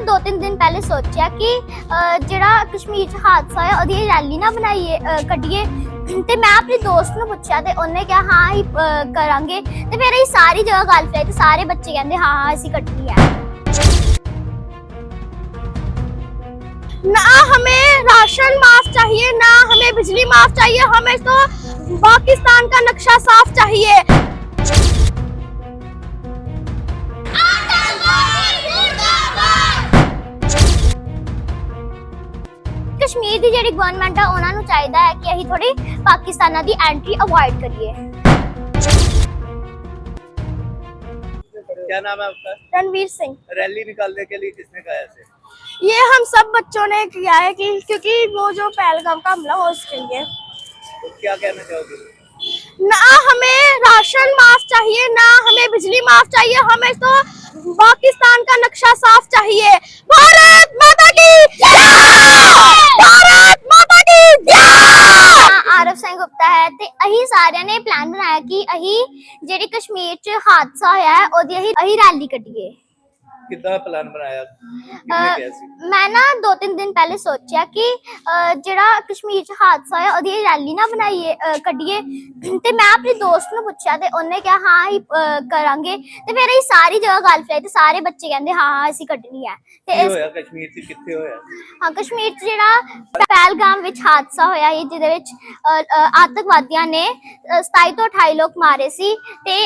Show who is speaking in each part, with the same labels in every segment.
Speaker 1: 2-3 दिन पहले सोचा कि ਜਿਹੜਾ ਕਸ਼ਮੀਰ 'ਚ ਹਾਦਸਾ ਹੋਇਆ ਉਹਦੀ ਰੈਲੀ ਨਾ ਬਣਾਈਏ ਕੱਢੀਏ ਤੇ ਮੈਂ ਆਪਣੇ ਦੋਸਤ ਨੂੰ ਪੁੱਛਿਆ ਤੇ ਉਹਨੇ ਕਿਹਾ ਹਾਂ ਹੀ ਕਰਾਂਗੇ ਤੇ ਫਿਰ ਅਸੀਂ ਸਾਰੀ ਜਗ੍ਹਾ ਗੱਲ ਫੈਲਾਈ ਤੇ ਸਾਰੇ ਬੱਚੇ ਕਹਿੰਦੇ ਹਾਂ ਹਾਂ ਅਸੀਂ ਕੱਢਣੀ ਹੈ। ना हमें राशन माफ चाहिए, ना हमें बिजली माफ चाहिए, हमें तो पाकिस्तान का नक्शा साफ चाहिए। कश्मीर ਦੀ ਜਿਹੜੀ ਗਵਰਨਮੈਂਟ ਆ ਉਹਨਾਂ ਨੂੰ ਚਾਹੀਦਾ ਹੈ ਕਿ ਅਸੀਂ ਥੋੜੀ ਪਾਕਿਸਤਾਨਾਂ ਦੀ ਐਂਟਰੀ ਅਵੋਇਡ ਕਰੀਏ।
Speaker 2: क्या नाम है आपका?
Speaker 1: रणवीर सिंह।
Speaker 2: रैली निकालने के लिए किसने कहा ऐसे?
Speaker 1: ये हम सब बच्चों ने किया है कि क्योंकि वो जो पहलगाम का हमला हो उसके लिए।
Speaker 2: तो क्या कहना चाहोगे?
Speaker 1: ना हमें राशन माफ चाहिए, ना हमें बिजली माफ चाहिए, हमें तो पाकिस्तान का नक्शा साफ चाहिए। भारत माता की जय! भारत माता की जय! आरव सिंह गुप्ता है ते अही सारिਆਂ ਨੇ ਪਲਾਨ ਬਣਾਇਆ ਕਿ ਅਹੀ ਜਿਹੜੀ ਕਸ਼ਮੀਰ 'ਚ ਹਾਦਸਾ ਹੋਇਆ ਹੈ ਉਹਦੀ ਅਹੀ ਰੈਲੀ ਕੱਢੀਏ।
Speaker 2: कितना प्लान बनाया? कितने कैसे?
Speaker 1: मैं ना 2-3 दिन पहले सोचा कि ਜਿਹੜਾ ਕਸ਼ਮੀਰ 'ਚ ਹਾਦਸਾ ਹੋਇਆ ਉਹਦੀ ਰੈਲੀ ਨਾ ਬਣਾਈਏ ਕੱਢੀਏ ਤੇ ਮੈਂ ਆਪਣੇ ਦੋਸਤ ਨੂੰ ਪੁੱਛਿਆ ਤੇ ਉਹਨੇ ਕਿਹਾ ਹਾਂ ਹੀ ਕਰਾਂਗੇ ਤੇ ਫਿਰ ਅਸੀਂ ਸਾਰੀ ਜਗ੍ਹਾ ਗੱਲ ਫੈਲਾਈ ਤੇ ਸਾਰੇ ਬੱਚੇ ਕਹਿੰਦੇ ਹਾਂ ਹਾਂ ਅਸੀਂ ਕੱਢਣੀ ਹੈ।
Speaker 2: ਕੀ ਹੋਇਆ ਕਸ਼ਮੀਰ 'ਚ ਕਿੱਥੇ ਹੋਇਆ?
Speaker 1: ਹਾਂ ਕਸ਼ਮੀਰ 'ਚ ਜਿਹੜਾ ਪਹਿਲਗਾਮ ਵਿੱਚ ਹਾਦਸਾ ਹੋਇਆ ਸੀ ਜਿਹਦੇ ਵਿੱਚ ਆਤੰਕਵਾਦੀਆਂ ਨੇ 27 ਤੋਂ 28 ਲੋਕ ਮਾਰੇ ਸੀ ਤੇ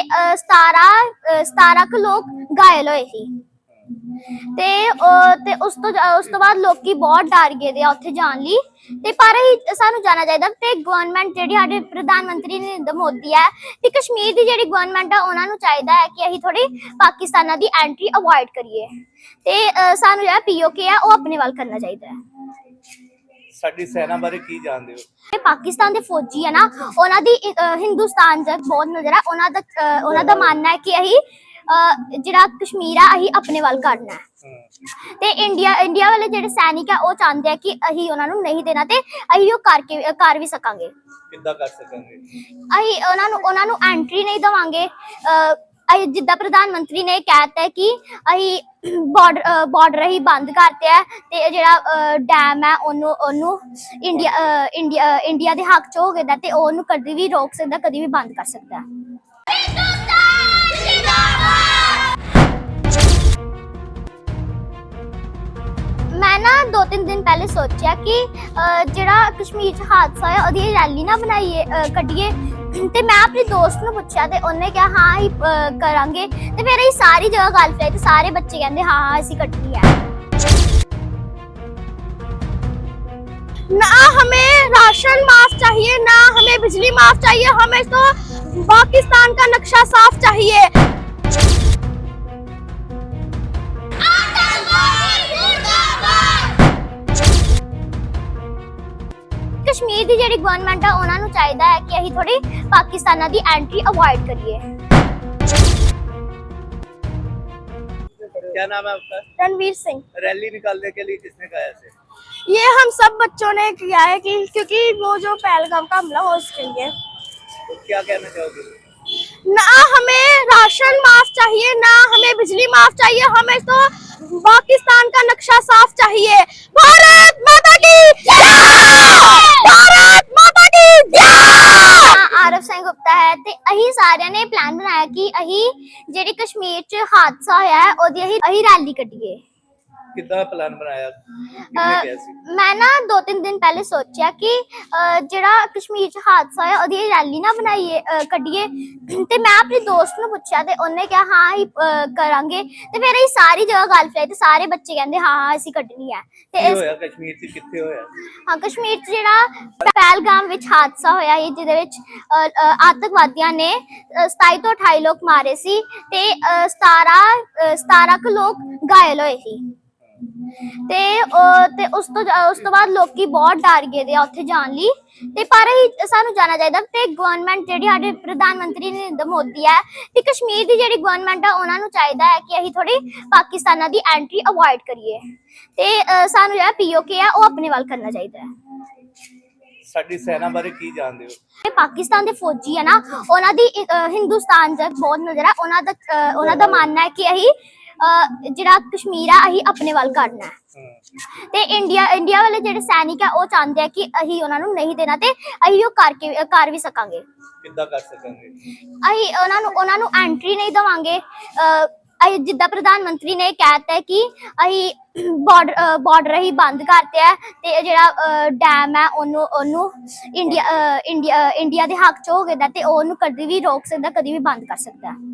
Speaker 1: 17 ਕੁ ਲੋਕ ਘਾਇਲ ਹੋਏ ਸੀ ਤੇ ਉਸ ਤੋਂ ਬਾਅਦ ਲੋਕੀ ਬਹੁਤ ਡਰ ਗਏ ਦੇ ਉੱਥੇ ਜਾਣ ਲਈ ਤੇ ਪਰ ਸਾਨੂੰ ਜਾਣਾ ਚਾਹੀਦਾ ਤੇ ਗਵਰਨਮੈਂਟ ਜਿਹੜੀ ਸਾਡੇ ਪ੍ਰਧਾਨ ਮੰਤਰੀ ਨਰਿੰਦਰ ਮੋਦੀ ਹੈ ਤੇ ਕਸ਼ਮੀਰ ਦੀ ਜਿਹੜੀ ਗਵਰਨਮੈਂਟ ਆ ਉਹਨਾਂ ਨੂੰ ਚਾਹੀਦਾ ਹੈ ਕਿ ਅਸੀਂ ਥੋੜੀ ਪਾਕਿਸਤਾਨਾਂ ਦੀ ਐਂਟਰੀ ਅਵੋਇਡ ਕਰੀਏ ਤੇ ਸਾਨੂੰ ਜਿਹੜਾ ਪੀਓਕੇ ਆ ਉਹ ਆਪਣੇ ਵੱਲ ਕਰਨਾ ਚਾਹੀਦਾ ਹੈ।
Speaker 2: ਸਾਡੀ ਸੈਨਾ ਬਾਰੇ ਕੀ ਜਾਣਦੇ ਹੋ?
Speaker 1: ਪਾਕਿਸਤਾਨ ਦੇ ਫੌਜੀ ਆ ਨਾ ਉਹਨਾਂ ਦੀ ਹਿੰਦੁਸਤਾਨ ਤੱਕ ਬਹੁਤ ਨਜ਼ਰ ਹੈ। ਉਹਨਾਂ ਦਾ ਮੰਨਣਾ ਹੈ ਕਿ ਅਸੀਂ ਜਿਹੜਾ ਕਸ਼ਮੀਰ ਆ ਅਸੀਂ ਆਪਣੇ ਵੱਲ ਕਰਨਾ ਹੈ ਤੇ ਇੰਡੀਆ ਵਾਲੇ ਜਿਹੜੇ ਸੈਨਿਕ ਆ ਉਹ ਚਾਹੁੰਦੇ ਆ ਕਿ ਅਸੀਂ ਉਹਨਾਂ ਨੂੰ ਨਹੀਂ ਦੇਣਾ ਤੇ ਅਸੀਂ ਉਹ ਕਰ ਵੀ ਸਕਾਂਗੇ।
Speaker 2: ਕਿੱਦਾਂ ਕਰ ਸਕਾਂਗੇ?
Speaker 1: ਅਸੀਂ ਉਹਨਾਂ ਨੂੰ ਐਂਟਰੀ ਨਹੀਂ ਦਵਾਂਗੇ। ਜਿੱਦਾਂ ਪ੍ਰਧਾਨ ਮੰਤਰੀ ਨੇ ਕਹਿਤਾ ਕਿ ਅਸੀਂ ਬਾਰਡਰ ਹੀ ਬੰਦ ਕਰਤੇ ਹੈ ਤੇ ਜਿਹੜਾ ਡੈਮ ਹੈ ਉਹਨੂੰ ਇੰਡੀਆ ਦੇ ਹੱਕ ਚ ਹੋ ਗਿਆ ਤੇ ਉਹਨੂੰ ਕਦੀ ਵੀ ਰੋਕ ਸਕਦਾ, ਕਦੀ ਵੀ ਬੰਦ ਕਰ ਸਕਦਾ ਹੈ। ਮੈਂ ਨਾ 2-3 ਦਿਨ ਪਹਿਲੇ ਸੋਚਿਆ ਕਿ ਜਿਹੜਾ ਕਸ਼ਮੀਰ 'ਚ ਹਾਦਸਾ ਹੋਇਆ ਉਹਦੀ ਰੈਲੀ ਨਾ ਬਣਾਈਏ ਕੱਢੀਏ ਤੇ ਮੈਂ ਆਪਣੇ ਦੋਸਤ ਨੂੰ ਪੁੱਛਿਆ ਤੇ ਉਹਨੇ ਕਿਹਾ ਹਾਂ ਹੀ ਕਰਾਂਗੇ ਤੇ ਫਿਰ ਅਸੀਂ ਸਾਰੀ ਜਗ੍ਹਾ ਗੱਲ ਫੈਲਾਈ ਤੇ ਸਾਰੇ ਬੱਚੇ ਕਹਿੰਦੇ ਹਾਂ ਹਾਂ ਅਸੀਂ ਕੱਢਣੀ ਹੈ। ना हमें राशन माफ चाहिए, ना हमें बिजली माफ चाहिए, हमें तो पाकिस्तान का नक्शा साफ चाहिए। ਕਸ਼ਮੀਰ ਦੀ ਜਿਹੜੀ ਗਵਰਨਮੈਂਟ ਆ ਉਹਨਾਂ ਨੂੰ ਚਾਹੀਦਾ ਹੈ ਕਿ ਅਸੀਂ ਥੋੜੀ ਪਾਕਿਸਤਾਨਾਂ ਦੀ ਐਂਟਰੀ ਅਵੋਇਡ ਕਰੀਏ।
Speaker 2: क्या नाम है आपका?
Speaker 1: रणवीर सिंह।
Speaker 2: रैली निकालने के लिए किसने कहा ऐसे?
Speaker 1: ये हम सब बच्चों ने किया है कि क्योंकि वो जो पहलगाम का हमला हो उसके लिए।
Speaker 2: तो क्या कहना चाहोगे?
Speaker 1: ना हमें राशन माफ चाहिए, ना हमें बिजली माफ चाहिए, हमें तो पाकिस्तान का नक्शा साफ चाहिए। भारत माता की जय! भारत माता की जय! आरव सिंह गुप्ता है ते अही सारिਆਂ ਨੇ ਪਲਾਨ ਬਣਾਇਆ ਕਿ ਅਹੀ ਜਿਹੜੀ ਕਸ਼ਮੀਰ 'ਚ ਹਾਦਸਾ ਹੋਇਆ ਹੈ ਉਹਦੀ ਅਹੀ ਰੈਲੀ ਕੱਢੀਏ।
Speaker 2: कितना प्लान बनाया? कितने कैसे?
Speaker 1: ਮੈਂ ਨਾ 2-3 ਦਿਨ ਪਹਿਲੇ ਸੋਚਿਆ ਕਿ ਜਿਹੜਾ ਕਸ਼ਮੀਰ 'ਚ ਹਾਦਸਾ ਹੋਇਆ ਉਹਦੀ ਰੈਲੀ ਨਾ ਬਣਾਈਏ ਕੱਢੀਏ ਤੇ ਮੈਂ ਆਪਣੇ ਦੋਸਤ ਨੂੰ ਪੁੱਛਿਆ ਤੇ ਉਹਨੇ ਕਿਹਾ ਹਾਂ ਹੀ ਕਰਾਂਗੇ ਤੇ ਫਿਰ ਅਸੀਂ ਸਾਰੀ ਜਗ੍ਹਾ ਗੱਲ ਫੈਲਾਈ ਤੇ ਸਾਰੇ ਬੱਚੇ ਕਹਿੰਦੇ ਹਾਂ ਹਾਂ ਅਸੀਂ ਕੱਢਣੀ ਹੈ ਤੇ
Speaker 2: ਕੀ ਹੋਇਆ ਕਸ਼ਮੀਰ 'ਚ ਕਿੱਥੇ ਹੋਇਆ?
Speaker 1: ਹਾਂ ਕਸ਼ਮੀਰ 'ਚ ਜਿਹੜਾ ਪਹਿਲਗਾਮ ਵਿੱਚ ਹਾਦਸਾ ਹੋਇਆ ਸੀ ਜਿਹਦੇ ਵਿੱਚ ਆਤੰਕਵਾਦੀਆਂ ਨੇ 27 ਤੋਂ 28 ਲੋਕ ਮਾਰੇ ਸੀ ਤੇ 17 ਕੁ ਲੋਕ ਘਾਇਲ ਹੋਏ ਸੀ ਤੇ ਉਸ ਤੋਂ ਬਾਅਦ ਲੋਕੀ ਬਹੁਤ ਡਰ ਗਏ ਦੇ ਉੱਥੇ ਜਾਣ ਲਈ ਤੇ ਪਰ ਸਾਨੂੰ ਜਾਣਾ ਚਾਹੀਦਾ ਤੇ ਗਵਰਨਮੈਂਟ ਜਿਹੜੀ ਸਾਡੇ ਪ੍ਰਧਾਨ ਮੰਤਰੀ ਨਰਿੰਦਰ ਮੋਦੀ ਹੈ ਤੇ ਕਸ਼ਮੀਰ ਦੀ ਜਿਹੜੀ ਗਵਰਨਮੈਂਟ ਆ ਉਹਨਾਂ ਨੂੰ ਚਾਹੀਦਾ ਹੈ ਕਿ ਅਸੀਂ ਥੋੜੀ ਪਾਕਿਸਤਾਨਾਂ ਦੀ ਐਂਟਰੀ ਅਵੋਇਡ ਕਰੀਏ ਤੇ ਸਾਨੂੰ ਜਿਹੜਾ ਪੀਓਕੇ ਆ ਉਹ ਆਪਣੇ ਵੱਲ ਕਰਨਾ ਚਾਹੀਦਾ ਹੈ।
Speaker 2: ਸਾਡੀ ਸੈਨਾ ਬਾਰੇ ਕੀ ਜਾਣਦੇ ਹੋ?
Speaker 1: ਪਾਕਿਸਤਾਨ ਦੇ ਫੌਜੀ ਆ ਨਾ ਉਹਨਾਂ ਦੀ ਹਿੰਦੁਸਤਾਨ ਤੱਕ ਬਹੁਤ ਨਜ਼ਰ ਹੈ। ਉਹਨਾਂ ਦਾ ਮੰਨਣਾ ਹੈ ਕਿ ਅਸੀਂ ਜਿਹੜਾ ਕਸ਼ਮੀਰ ਆ ਅਸੀਂ ਆਪਣੇ ਵੱਲ ਕਰਨਾ ਹੈ।
Speaker 2: ਹੂੰ।
Speaker 1: ਤੇ ਇੰਡੀਆ ਵਾਲੇ ਜਿਹੜੇ ਸੈਨਿਕ ਆ ਉਹ ਚਾਹੁੰਦੇ ਆ ਕਿ ਅਸੀਂ ਉਹਨਾਂ ਨੂੰ ਨਹੀਂ ਦੇਣਾ, ਤੇ ਅਸੀਂ ਉਹ ਕਰ ਵੀ ਸਕਾਂਗੇ।
Speaker 2: ਕਿੱਦਾਂ ਕਰ ਸਕਾਂਗੇ?
Speaker 1: ਅਸੀਂ ਉਹਨਾਂ ਨੂੰ ਐਂਟਰੀ ਨਹੀਂ ਦੇਵਾਂਗੇ। ਅਸੀਂ ਜਿੱਦਾਂ ਪ੍ਰਧਾਨ ਮੰਤਰੀ ਨੇ ਕਹਿਤਾ ਹੈ ਕਿ ਅਸੀਂ ਬਾਰਡਰ ਹੀ ਬੰਦ ਕਰਤੇ ਹੈ, ਤੇ ਜਿਹੜਾ ਡੈਮ ਹੈ ਉਹਨੂੰ ਇੰਡੀਆ ਦੇ ਹੱਕ ਚ ਹੋ ਗਿਆ, ਤੇ ਉਹਨੂੰ ਕਦੀ ਵੀ ਰੋਕ ਸਕਦਾ, ਕਦੀ ਵੀ ਬੰਦ ਕਰ ਸਕਦਾ ਹੈ।